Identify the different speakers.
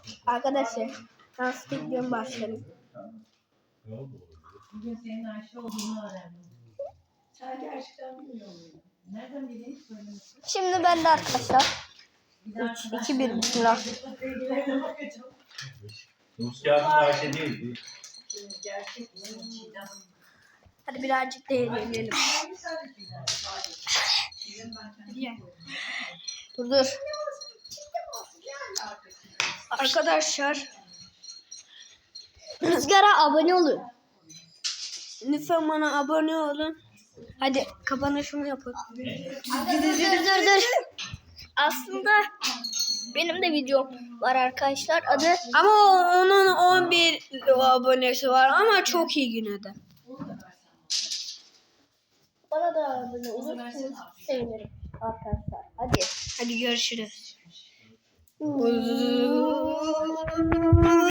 Speaker 1: Arkadaşlar dans videom başlayalım.
Speaker 2: Bugün senin Ayşe olduğunu öğrendim. Sen gerçekten bilmiyor muydun? Nereden bileyim söylemişsin?
Speaker 1: Şimdi ben de arkadaşlar 3, 2, 1 bismillah.
Speaker 3: Nus kağıdında Ayşe değildi.
Speaker 2: Gerçek ismi Çiğdem.
Speaker 1: Hadi birazcık değinelim. Dur. Arkadaşlar Rüzgar'a abone olun. Lütfen bana abone olun. Hadi kapanışımı yapın. Dur. Aslında benim de videom var arkadaşlar. Adı ama onun 11 abonesi var ama çok iyi yine de. Bana da abone olursanız sevinirim arkadaşlar. Hadi görüşürüz.